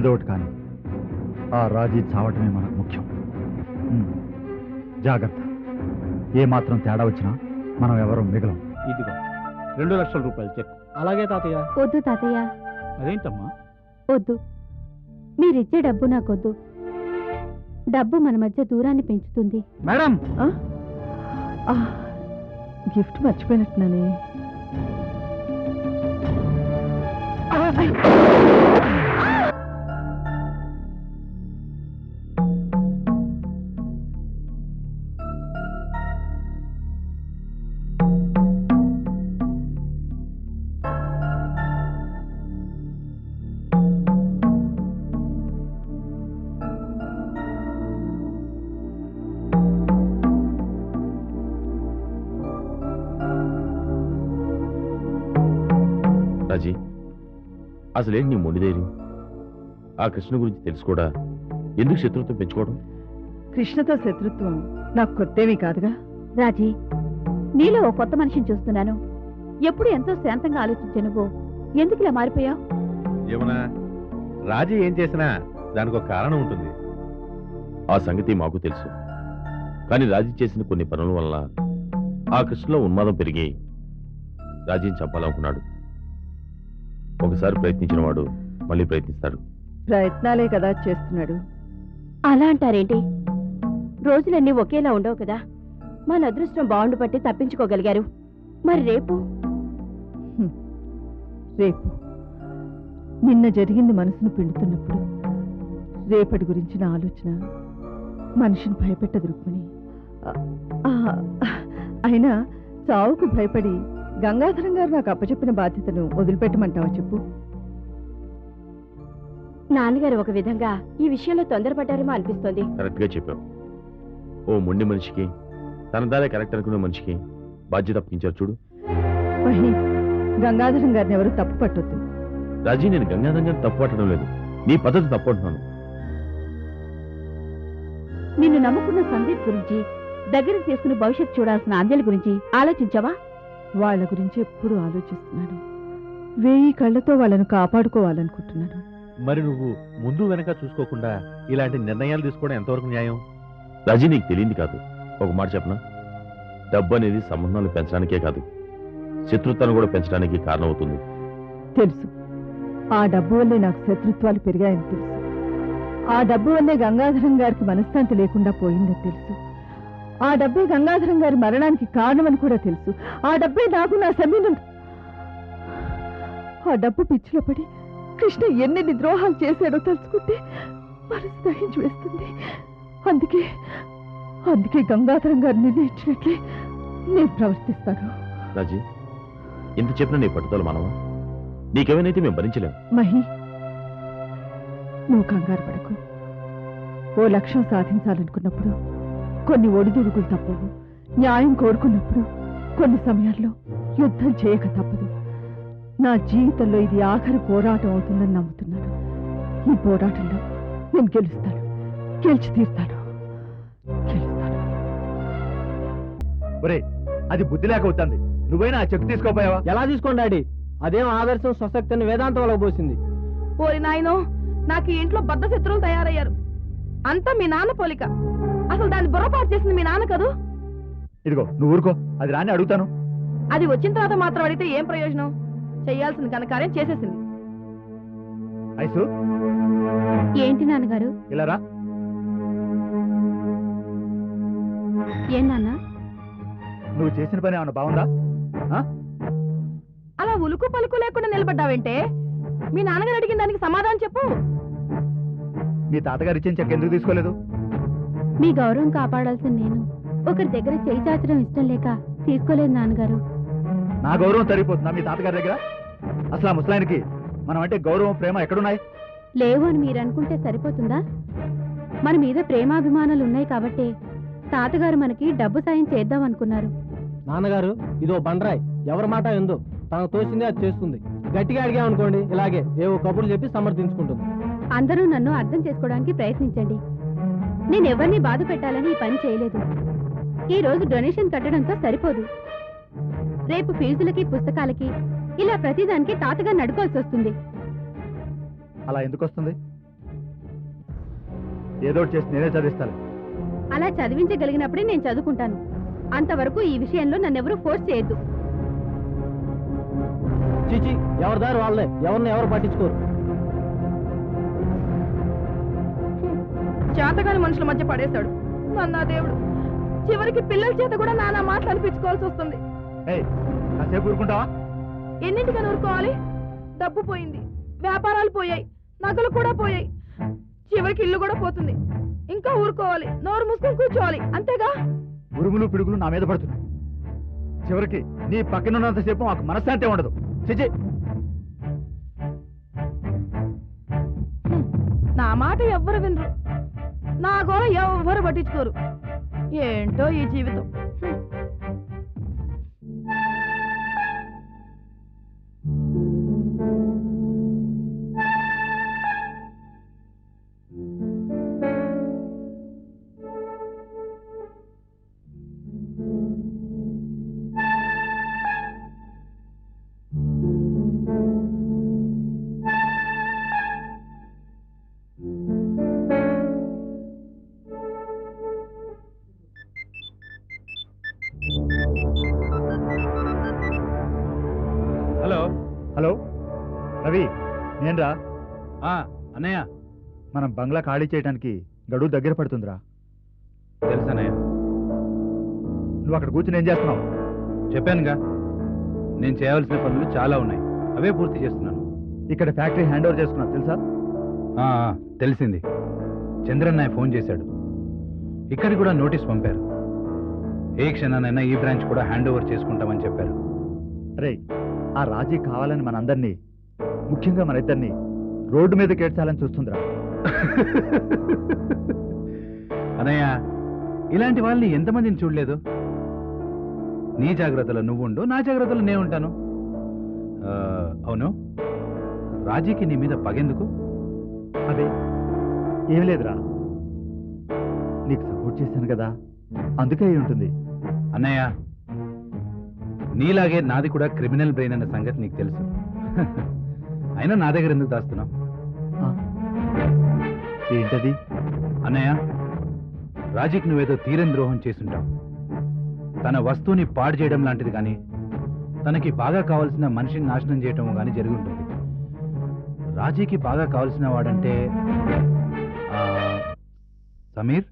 ఏదో ఒకటి కానీ ఆ రాజీ చావటమే మనకు ముఖ్యం. జాగ్రత్త, ఏ మాత్రం తేడా వచ్చినా మనం ఎవరూ మిగలం. ఇదిగో 2 లక్షల రూపాయలు చెక్. అలాగే తాతయ్య. వద్దు తాతయ్య. అదేంటమ్మా? వద్దు, మీరిచ్చే డబ్బు నాకొద్దు. డబ్బు మన మధ్య దూరాన్ని పెంచుతుంది. Madam, gift మర్చిపోయినట్టున్నానే. రాజీ, అసలేంటి నీ మొండి ధైర్యం? ఆ కృష్ణ గురించి తెలుసు కూడా ఎందుకు శత్రుత్వం పెంచుకోవడం? కృష్ణతో శత్రుత్వం నాకు కొత్తేమీ కాదుగా. రాజీ, నీలో ఓ కొత్త మనిషిని చూస్తున్నాను. ఎప్పుడు ఎంతో శాంతంగా ఆలోచించే నువ్వు ఎందుకు ఇలా మారిపోయావు? ఏమన్నా రాజీ ఏం చేసినా దానికి ఒక కారణం ఉంటుంది. ఆ సంగతి మాకు తెలుసు. కానీ రాజీ చేసిన కొన్ని పనుల వల్ల ఆ కృష్ణలో ఉన్మాదం పెరిగి రాజీని చంపాలనుకున్నాడు. ఒకసారి ప్రయత్నించిన వాడు మళ్ళీ ప్రయత్నిస్తాడు. ప్రయత్నాలే కదా చేస్తున్నాడు. అలా అంటారేంటి? రోజులన్నీ ఒకేలా ఉండవు కదా. మన అదృష్టం బాగుండు పట్టి తప్పించుకోగలిగారు. మరి రేపు రేపు నిన్న జరిగింది మనసును పిండుతున్నప్పుడు రేపటి గురించిన ఆలోచన మనిషిని భయపెట్టదు రుక్మిణి. అయినా చావుకు భయపడి గంగాధరం గారు నాకు అప్పచెప్పిన బాధ్యతను వదిలిపెట్టమంటావా చెప్పు? నాన్నగారు ఒక విధంగా ఈ విషయంలో తొందరపడ్డారేమో అనిపిస్తోంది. కరెక్ట్ గా చెప్పావు. ఓ మొండి మనిషికి, తన దారే కరెక్ట్ అనుకునే మనిషికి బాధ్యత అప్పగించారు చూడు. మహి, గంగాధరం గారిని ఎవరు తప్పు పట్టొద్దు. రాజీ, నేను గంగాధరం గారిని తప్పు పట్టడం లేదు, నీ పద్ధతి తప్పు అంటున్నాను. నిన్ను నమ్ముకున్న సందీప్ గురించి, దగ్గరికి తీసుకుని భవిష్యత్తు చూడాల్సిన అంజలి గురించి ఆలోచించావా? వాళ్ళ గురించి ఎప్పుడు ఆలోచిస్తున్నాను. 1000 కళ్ళతో వాళ్ళను కాపాడుకోవాలనుకుంటున్నాను. మరి నువ్వు ముందు వెనక చూసుకోకుండా ఇలాంటి నిర్ణయాలు తీసుకోవడం ఎంతవరకు న్యాయం? రాజీ, నీకు తెలియంది కాదు. ఒక మాట చెప్పనా? డబ్బు అనేది సంబంధాలు పెంచడానికే కాదు, శత్రుత్వాన్ని కూడా పెంచడానికి కారణమవుతుంది. తెలుసు, ఆ డబ్బు వల్లే నాకు శత్రుత్వాలు పెరిగాయని తెలుసు. ఆ డబ్బు వల్లే గంగాధరం గారికి మనశ్శాంతి లేకుండా పోయిందని తెలుసు. ఆ డబ్బే గంగాధరం గారి మరణానికి కారణమని కూడా తెలుసు. ఆ డబ్బే నాకు నా సమీను. ఆ డబ్బు పిచ్చిలో పడి కృష్ణ ఎన్నెన్ని ద్రోహాలు చేశాడో తలుచుకుంటే మనసు దహించి వేస్తుంది. అందుకే గంగాధరం గారు నిర్ణయించినట్లే నేను ప్రవర్తిస్తాను. రాజీ, ఇంత చెప్పిన నీ పట్టుదల మనవా? నీకేమైనా మేము భరించలేము. మహి, నువ్వు కంగారు పడకు. ఓ లక్ష్యం సాధించాలనుకున్నప్పుడు కొన్ని ఒడిదుడుకులు తప్పవు. న్యాయం కోరుకున్నప్పుడు కొన్ని సమయాల్లో యుద్ధం చేయక తప్పదు. నా జీవితంలో ఇది ఆఖరి పోరాటం అవుతుందని నమ్ముతున్నాను. ఈ పోరాటంలో నేను గెలుస్తాను, గెలిచి తీరుతాను, గెలుస్తాను. అది బుద్ధి లేక అవుతుంది. నువ్వైనా ఆ చెక్ తీసుకోపోయావా? ఎలా తీసుకోండి డాడీ? అదేం ఆదర్శం స్వశక్తిని వేదాంతం వాళ్ళకు పోసింది. ఓరి నాయనో, నాకు ఈ ఇంట్లో బద్ద శత్రువులు తయారయ్యారు. అంతా మీ నాన్న పోలిక. అసలు దాన్ని బుర్రపాటు చేసింది మీ నాన్న కదూ. ఇదిగో నువ్వు ఊరుకో, అది రాని అడుగుతాను. అది వచ్చిన తర్వాత మాత్రం అడిగితే ఏం ప్రయోజనం? చెయ్యాల్సిన ఘనకార్యం చేసేసింది. ఐసు, ఏంటి నాన్నగారు? ఇలా రా. ఏం నాన్న? నువ్వు చేసిన పని ఏమన్నా బాగుందా? అలా ఉలుకు పలుకు లేకుండా నిలబడ్డావంటే మీ నాన్నగారు అడిగిన దానికి సమాధానం చెప్పు. మీ తాతగారు ఇచ్చిన చెక్ ఎందుకు తీసుకోలేదు? మీ గౌరవం కాపాడాల్సిన నేను ఒకరి దగ్గర చేయి చాచడం ఇష్టం లేక తీసుకోలేదు నాన్నగారు. నా గౌరవం సరిపోతుందా మీ తాతగారి దగ్గర? అసలు ఆ ముసలాయనికి మనం అంటే గౌరవం ప్రేమ ఎక్కడున్నాయి? లేవు అని మీరు అనుకుంటే సరిపోతుందా? మన మీద ప్రేమాభిమానాలు ఉన్నాయి కాబట్టి తాతగారు మనకి డబ్బు సాయం చేద్దాం అనుకున్నారు. నాన్నగారు, ఇదో బండరాయ్, ఎవరి మాట ఎందు తనకు తోచిందే అది చేస్తుంది. గట్టిగా అడిగామనుకోండి, ఇలాగే ఏవో కబుర్లు చెప్పి సమర్థించుకుంటుంది. అందరూ నన్ను అర్థం చేసుకోవడానికి ప్రయత్నించండి. నేను ఎవరిని బాధ పెట్టాలని ఈ పని చేయలేదు. ఈ రోజు డొనేషన్ కట్టడంతో సరిపోదు. రేపు ఫీజులకి, పుస్తకాలకి, ఇలా ప్రతిదానికి తాతగారిని అడుకోవాల్సి వస్తుంది. అలా ఎందుకు వస్తుంది? ఏదో ఒకటి చేసి నేనే చదివిస్తాను. అలా చదివించగలిగినప్పుడే నేను చదువుకుంటాను. అంతవరకు ఈ విషయంలో నన్నెవరూ ఫోర్స్ చేయొద్దు. చీచి, ఎవరి దారి వాళ్ళే, ఎవరిని ఎవరు పట్టించుకోరు. చేతగాని మనుషుల మధ్య పడేశాడు నన్నా దేవుడు. చివరికి పిల్లల చేత కూడా నానా మాటలు అనిపించుకోవాల్సి వస్తుంది. ఏయ్, కాసేపు ఊరుకుంటావా? ఎన్నింటికని ఊరుకోవాలి? డబ్బు పోయింది, వ్యాపారాలు పోయాయి, నగలు కూడా పోయాయి, చివరికి ఇల్లు కూడా పోతుంది. ఇంకా ఊరుకోవాలి, నోరు మూసుకొని కూర్చోవాలి, అంతేగా? ఉరుములు పిడుగులు నా మీద పడుతున్నాయి. చివరికి నీ పక్కనున్నంతసేపు మాకు మనశ్శాంతి ఉండదు. చిచి, నా మాట ఎవ్వరు వినరు, నా గోల ఎవ్వరు పట్టించుకోరు. ఏంటో ఈ జీవితం. హలో. హలో రవి, నేనురా. అన్నయ్య. మనం బంగ్లా ఖాళీ చేయడానికి గడువు దగ్గర పడుతుందిరా. తెలుసన్నయ్య. నువ్వు అక్కడ కూర్చుని ఏం చేస్తున్నావు? చెప్పానుగా, నేను చేయవలసిన పనులు చాలా ఉన్నాయి, అవే పూర్తి చేస్తున్నాను. ఇక్కడ ఫ్యాక్టరీ హ్యాండ్ ఓవర్ చేసుకున్నావు తెలుసా? తెలిసింది. చంద్రన్నయ్య ఫోన్ చేశాడు. ఇక్కడికి కూడా నోటీస్ పంపారు. ఏ క్షణానైనా ఈ బ్రాంచ్ కూడా హ్యాండ్ ఓవర్ చేసుకుంటామని చెప్పారు. రే, ఆ రాజీ కావాలని మనందరినీ, ముఖ్యంగా మన ఇద్దరిని రోడ్డు మీద కేడ్చాలని చూస్తుందిరా. అనయ్య, ఇలాంటి వాళ్ళని ఎంతమందిని చూడలేదు. నీ జాగ్రత్తలో నువ్వుండు, నా జాగ్రత్తలో నేను ఉంటాను. అవును, రాజీకి నీ మీద పగెందుకు? అదే ఏమి లేదురా, నీకు సపోర్ట్ చేశాను కదా, అందుకే అయి ఉంటుంది. అన్నయ్య, నీలాగే నాది కూడా క్రిమినల్ బ్రెయిన్ అన్న సంగతి నీకు తెలుసు. అయినా నా దగ్గర ఎందుకు దాస్తున్నావు? ఏంటది? అన్నయ్య, రాజీకి నువ్వేదో తీరని ద్రోహం చేసుంటావు. తన వస్తువుని పాడు చేయడం లాంటిది కానీ, తనకి బాగా కావాల్సిన మనిషిని నాశనం చేయటం కానీ జరిగి ఉంటుంది. రాజీకి బాగా కావాల్సిన వాడంటే Sameer.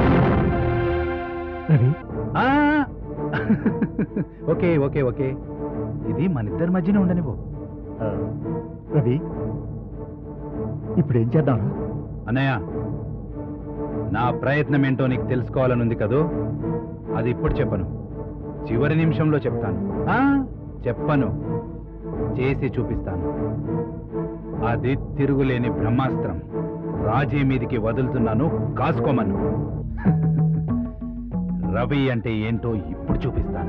Ravi, okay okay okay, ఇది మన ఇద్దరి మధ్యనే ఉండనివ్వు. రవి, ఇప్పుడు ఏం చేద్దాం? అన్నయ్య, నా ప్రయత్నం ఏంటో నీకు తెలుసుకోవాలనుంది కదూ. అది ఇప్పుడు చెప్పను, చివరి నిమిషంలో చెప్తాను. చెప్పను, చేసి చూపిస్తాను. అది తిరుగులేని బ్రహ్మాస్త్రం. రాజీ మీదికి వదులుతున్నాను, కాసుకోమను. రవి అంటే ఏంటో ఇప్పుడు చూపిస్తాను.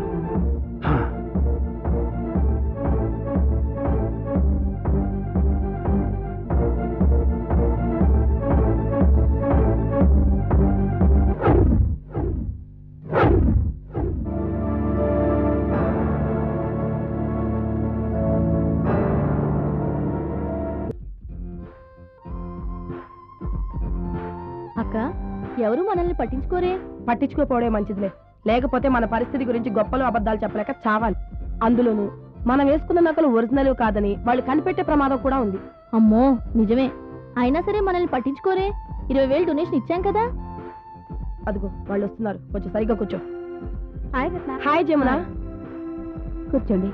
అక్క, ఎవరు మనల్ని పట్టించుకోరే? పట్టించుకోపోవడే మంచిదిలే, లేకపోతే మన పరిస్థితి గురించి గొప్పలు అబద్ధాలు చెప్పలేక చావాలి. అందులోనూ మనం వేసుకున్న నకలు ఒరిజినల్ కాదని వాళ్ళు కనిపెట్టే ప్రమాదం కూడా ఉంది. అమ్మో, నిజమే. అయినా సరే మనల్ని పట్టించుకోరే. 20,000 డొనేషన్ ఇచ్చాం కదా. అదిగో వాళ్ళు వస్తున్నారు, కొంచెం సరిగ్గా కూర్చో. హాయ్ రత్న. హాయ్ జమున. కూర్చోండి.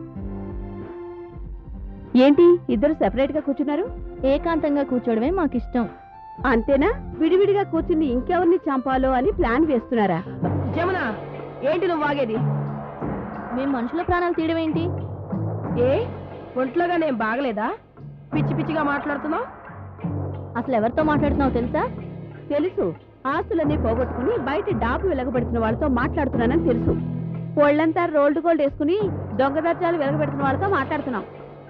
ఏంటి ఇద్దరు సెపరేట్ గా కూర్చున్నారు? ఏకాంతంగా కూర్చోవడమే మాకిష్టం. అంతేనా? విడివిడిగా కూర్చుని ఇంకెవరిని చంపాలో అని ప్లాన్ వేస్తున్నారా? జమున, ఏంటి నువ్వు వాగేది? మేము మనుషుల ప్రాణాలు తీయడం ఏంటి? ఏ ఒంట్లోగా నేను బాగలేదా? పిచ్చి పిచ్చిగా మాట్లాడుతున్నావు. అసలు ఎవరితో మాట్లాడుతున్నావు తెలుసా? తెలుసు. ఆస్తులన్నీ పోగొట్టుకుని బయట డాబు వెలగబెడుతున్న వాళ్ళతో మాట్లాడుతున్నానని తెలుసు. ఒళ్ళంతా రోల్డ్ గోల్డ్ వేసుకుని దొంగ దర్జాలు వెలగబెడుతున్న వాళ్ళతో మాట్లాడుతున్నాం.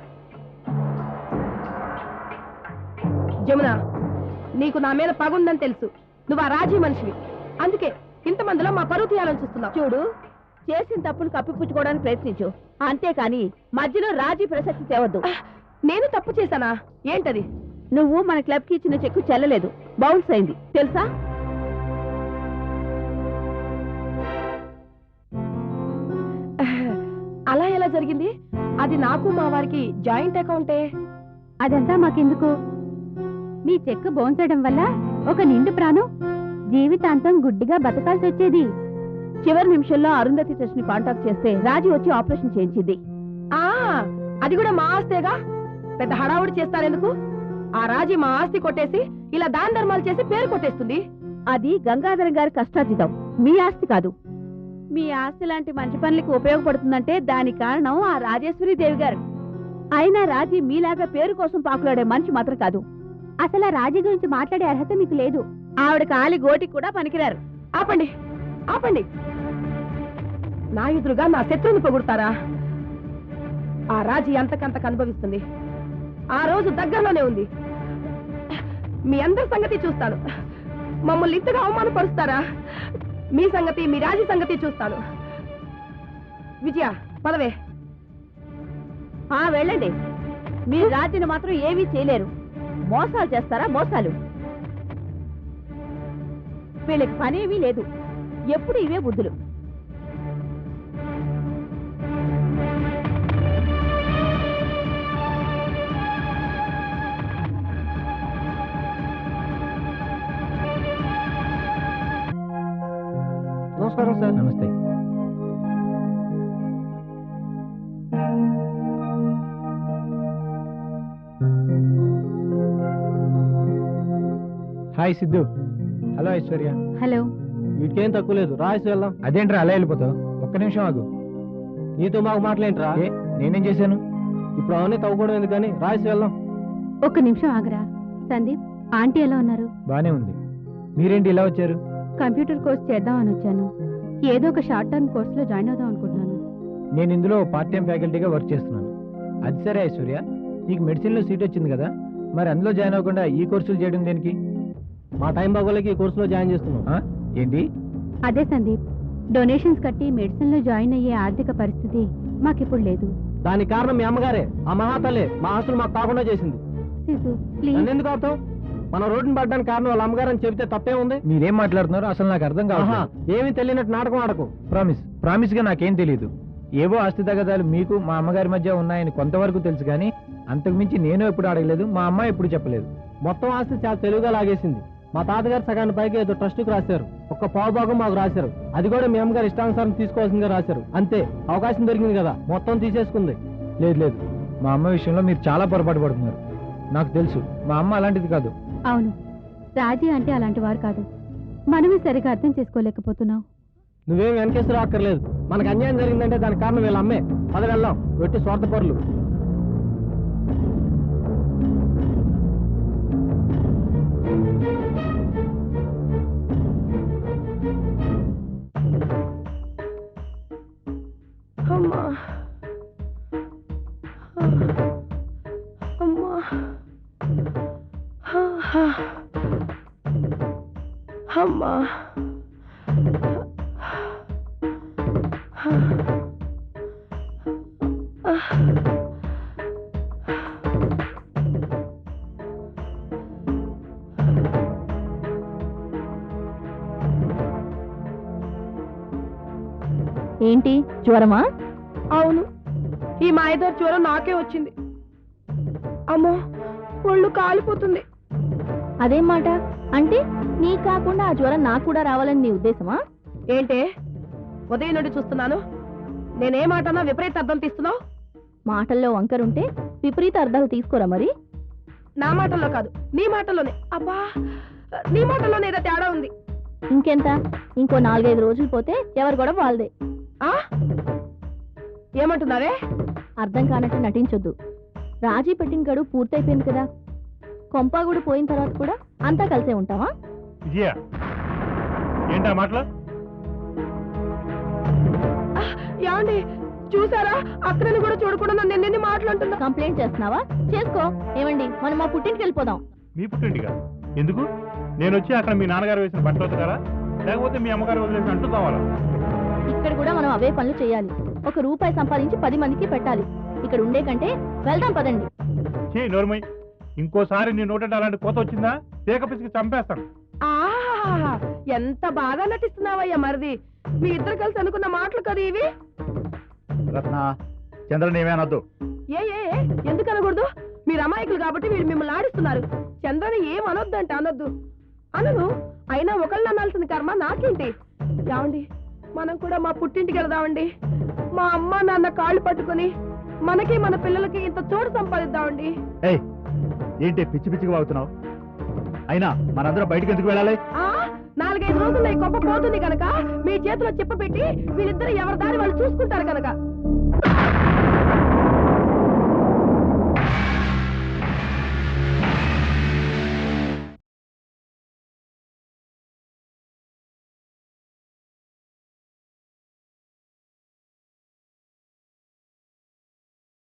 జమున, నీకు నా మీద పగుందని తెలుసు. నువ్వు ఆ రాజీ మనిషివి, అందుకే ఇంతమందిలో మా పరువు తీయాలని చూస్తున్నావు. చూడు, చేసిన తప్పును కప్పిపుచ్చుకోవడానికి ప్రయత్నించు, అంతేకాని మధ్యలో రాజీ ప్రసక్తి తేవద్దు. నేను తప్పు చేశానా? ఏంటది? నువ్వు మన క్లబ్ కి ఇచ్చిన చెక్కు చెల్లలేదు, బౌన్స్ అయింది తెలుసా? అలా ఎలా జరిగింది? అది నాకు మా వారికి జాయింట్ అకౌంటే. అదంతా మాకెందుకు? మీ చెక్కు బౌన్స్ అవడం వల్ల ఒక నిండు ప్రాణం జీవితాంతం గుడ్డిగా బతకాల్సి వచ్చేది. చివరి నిమిషంలో అరుంధతి ట్రస్ట్ ని కాంటాక్ట్ చేస్తే రాజీ వచ్చి ఆపరేషన్ చేయించింది. ఆ అది కూడా మా ఆస్తేగా, పెద్ద హడావుడి చేస్తారెందుకు? ఆ రాజీ మా ఆస్తి కొట్టేసి ఇలా దాన ధర్మాలు చేసి పేరు కొట్టేస్తుంది. అది గంగాధర గారి కష్టార్జితం, మీ ఆస్తి కాదు. మీ ఆస్తి లాంటి మంచి పనులకి ఉపయోగపడుతుందంటే దానికి కారణం ఆ రాజేశ్వరి దేవి గారు. అయినా రాజీ మీలాగా పేరు కోసం పాకులాడే మనిషి మాత్రం కాదు. అసలు ఆ రాజీ గురించి మాట్లాడే అర్హత మీకు లేదు. ఆవిడ కాలి గోటికి కూడా పనికిరారు. ఆపండి ఆపండి, నా ఎదురుగా నా శత్రువుని పొగుడతారా? ఆ రాజీ అంతకంతకు అనుభవిస్తుంది. ఆ రోజు దగ్గరలోనే ఉంది. మీ అందరి సంగతి చూస్తాను. మమ్మల్ని ఇంతగా అవమానపరుస్తారా? మీ సంగతి, మీ రాజీ సంగతి చూస్తాను. విజయ పదవే. వెళ్ళండి. మీరు రాజీని మాత్రం ఏమీ చేయలేరు. మోసాలు చేస్తారా? మోసాలు. వీళ్ళకి పనేమీ లేదు, ఎప్పుడు ఇవే బుద్ధులు. నమస్కారం సార్. నమస్తే. Hi Siddhu. Hello Aishwarya. Hello. వీటికేం తక్కువ లేదు, రాసి వెళ్దాం. అదేంట్రా అలా వెళ్ళిపోతావు? ఒక్క నిమిషం ఆగు. నీతో మాకు మాటలేంట్రా? నేనేం చేశాను? ఇప్పుడు అవన్నీ తవ్వుకోవడం ఎందుకని రాసి వెళ్దాం. ఒక్క నిమిషం ఆగరా. సందీప్, ఆంటీ ఎలా ఉన్నారు? బానే ఉంది. మీరేంటి ఇలా వచ్చారు? కంప్యూటర్ కోర్స్ చేద్దామని వచ్చాను. ఏదో ఒక షార్ట్ టర్మ్ కోర్సులో జాయిన్ అవుదాం అనుకుంటున్నాను. నేను ఇందులో పార్ట్ టైం ఫ్యాకల్టీగా వర్క్ చేస్తున్నాను. అది సరే ఐశ్వర్య, నీకు మెడిసిన్లో సీట్ వచ్చింది కదా, మరి అందులో జాయిన్ అవ్వకుండా ఈ కోర్సులు చేయడం దేనికి? మా టైం బాగోలేక ఈ కోర్సులో జాయిన్ చేస్తున్నాం. ఏంటి? అదే సందీప్, డొనేషన్స్ కట్టి మెడిసిన్ లో జాయిన్ అయ్యే ఆర్థిక పరిస్థితి మాకిప్పుడు లేదు. దానికి కారణం మీ అమ్మగారే. ఆ మహాతల్లే మా ఆస్తులు మాకు కాకుండా చేసింది. సిద్ధు ప్లీజ్. నన్ను ఎందుకు ఆపుతావు? మన రోడ్డుని పడ్డానికి కారణం వాళ్ళ అమ్మగారని చెబితే తప్పే ఉంది. మీరేం మాట్లాడుతున్నారు అసలు నాకు అర్థం కాదు. ఏమీ తెలియనట్టు నాటకం ఆడకు. ప్రామిస్ గా నాకేం తెలియదు. ఏవో ఆస్తి తగాదాలు మీకు మా అమ్మగారి మధ్య ఉన్నాయని కొంతవరకు తెలుసు, కానీ అంతకుమించి నేను ఎప్పుడు అడగలేదు, మా అమ్మ ఎప్పుడు చెప్పలేదు. మొత్తం ఆస్తి చాలా తెలివిగా లాగేసింది. మా తాతగారు సగాన్ని పైకి ఏదో ట్రస్టుకు రాశారు, ఒక్క పావు భాగం మాకు రాశారు. అది కూడా మీ అమ్మగారు ఇష్టానుసారం తీసుకోవాల్సిందిగా రాశారు. అంతే, అవకాశం దొరికింది కదా మొత్తం తీసేసుకుంది. లేదు, మా అమ్మ విషయంలో మీరు చాలా పొరపాటు పడుతున్నారు. నాకు తెలుసు మా అమ్మ అలాంటిది కాదు. అవును, రాజీ అంటే అలాంటి వారు కాదు. మనమే సరిగా అర్థం చేసుకోలేకపోతున్నావు. నువ్వేం వెనకేసి రాక్కర్లేదు. మనకు అన్యాయం జరిగిందంటే దానికి కారణం వీళ్ళ అమ్మే. పద వెళ్దాం, వెట్టి స్వార్థపరులు. అమ్మా అమ్మా అమ్మా. ఏంటి, జ్వరమా? అవును, ఈ మాయదారి జ్వరం నాకే వచ్చింది. అమ్మో, ఒళ్ళు కాలిపోతుంది. అదేం మాట? అంటే నీ కాకుండా ఆ జ్వరం నాకు కూడా రావాలని నీ ఉద్దేశమా? ఏంటే ఉదయం నుండి చూస్తున్నాను, నేనే మాటన్నా విపరీత అర్థం తీస్తున్నావు. మాటల్లో వంకరుంటే విపరీత అర్థాలు తీసుకోరా మరి? నా మాటల్లో కాదు, నీ మాటల్లోనే. అబ్బా, నీ మాటల్లోనే ఏదో తేడా ఉంది. ఇంకెంత? ఇంకో 4-5 రోజులు పోతే ఎవరు కూడా వాళ్ళదే. ఆ ఏమంటున్నావే? అర్థం కానట్టు నటించొద్దు. రాజీ పెట్టిన గడువు పూర్తయిపోయింది కదా, కొంపాగుడు పోయిన తర్వాత కూడా అంతా కలిసే ఉంటావా? విజయ, ఏంటా మాటలు? యాండి చూసారా, అక్కడని కూడా చూడకుండా నన్ను ఎన్ని మాట్లాడుతున్నా. కంప్లైంట్ చేస్తున్నావా? చేసుకో. ఏమండి, మనం మా పుట్టింటికి వెళ్ళిపోదాం. మీ పుట్టింటిగా? ఎందుకు? నేను వచ్చి అక్కడ మీ నాన్నగారు వేసిన బట్టలు వద్దుతారా, లేకపోతే మీ అమ్మగారు వదిలేసిన అంటూ కావాలా? ఇక్కడ కూడా మనం అవే పనులు చేయాలి. ₹1 సంపాదించి 10 మందికి పెట్టాలి. ఇక్కడ ఉండే కంటే వెళ్దాం పదండి. చే నోర్మయ్, ఇంకోసారి నీ నోట అలాంటి కోత వచ్చిందా తేక పిసికి చంపేస్తాను. ఆహా ఎంత బాగా నటిస్తున్నావయ్యా మరిది. మీ ఇద్దరు కలిసి అనుకున్న మాటలు కదా ఇవి. రత్న, చంద్రన్ ఏమేనొద్దు. ఏ ఏ ఏ, ఎందుకు అనకూడదు? మీరు అమాయకులు కాబట్టి వీళ్ళు మిమ్మల్ని ఆడిస్తున్నారు. చంద్రని ఏం అనొద్దంటే అనొద్దు. అనను, అయినా ఒకళ్ళు అనాల్సిన కర్మ నాకేంటి? యావండి, మనం కూడా మా పుట్టింటికి వెళదామండి. మా అమ్మ నాన్న కాళ్ళు పట్టుకుని మనకి మన పిల్లలకి ఇంత చోటు సంపాదిద్దామండి. ఏయ్, ఏంటి పిచ్చి పిచ్చిగా వాగుతున్నావు? అయినా మనందరం బయటికి ఎందుకు వెళ్ళాలి? 4-5 రోజుల్లో ఈ గొప్ప పోతుంది కనుక మీ చేతిలో చెప్ప పెట్టి వీళ్ళిద్దరు ఎవరి దారి వాళ్ళు చూసుకుంటారు కనుక.